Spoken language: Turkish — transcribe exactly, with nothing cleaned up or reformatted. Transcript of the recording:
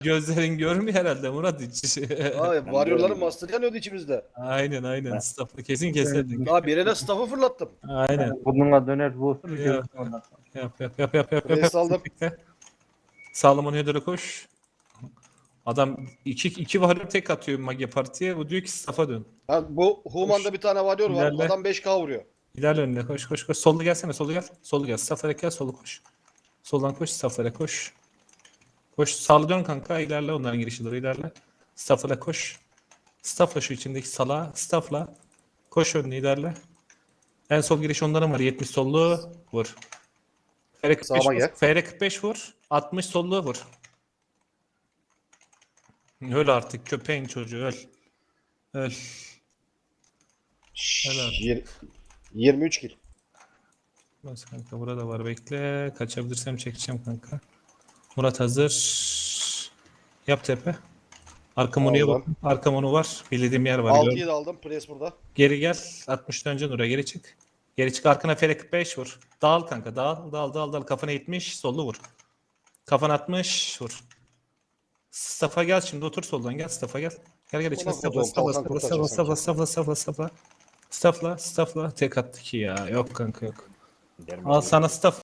Gözlerin görmüyor herhalde Murat hiç. Abi varyorların master yanıyordu içimizde. Aynen aynen. Ben- Staff'ı kesin keserdik. Daha birine staff'ı fırlattım. Aynen. Burnuna döner vurur. Ya. görürsün ondan sonra. Yap yap yap yap yap. Buraya yap. saldım. Sağlam Heder'e koş. Adam iki, iki varıyor tek atıyor Mage Parti'ye. O diyor ki staff'a dön. Ha, bu Human'da bir tane varıyor var. İlerle. Adam beş K vuruyor. İlerle önüne koş koş koş. Sollu gelsene solu gel. Solu gel. Staff'a gel solu koş. Soldan koş Staff'a koş. Koş sağlı dön kanka ilerle onların girişi doğru ilerle. Staff'a koş. Staff'la şu içindeki sala. Staff'la. Koş önüne ilerle. En sol giriş onların var. yetmiş sollu vur. F R kırk beş Sağıma vur. gel. F R kırk beş vur. altmış sollu vur. Öl artık köpeğin çocuğu öl. Öl. Helal. Yir- yirmi üç kill. Bas kanka burada var bekle. Kaçabilirsem çekeceğim kanka. Murat hazır. Yap tepe. Arkam onuya bak. Aldım. Arkam onu var. Bildiğim yer var. altıyı da aldım. Press burada. Geri gel. altmıştan önce oraya geri çık. Geri çık arkana F R kırk beş vur. Dağıl kanka dağıl dağıl dağıl dağıl. Kafana yetmiş sollu vur. Kafana altmış vur. Staff'a gel şimdi otur soldan gel Staff'a gel. Gel gel içine Ulan Staff'la koduğum Staff'la kalkan Staff'la kurtaracak Staff'la sanki. Staff'la Staff'la Staff'la Staff'la Staff'la Staff'la tek attı ki ya. Yok kanka yok. Al sana staff.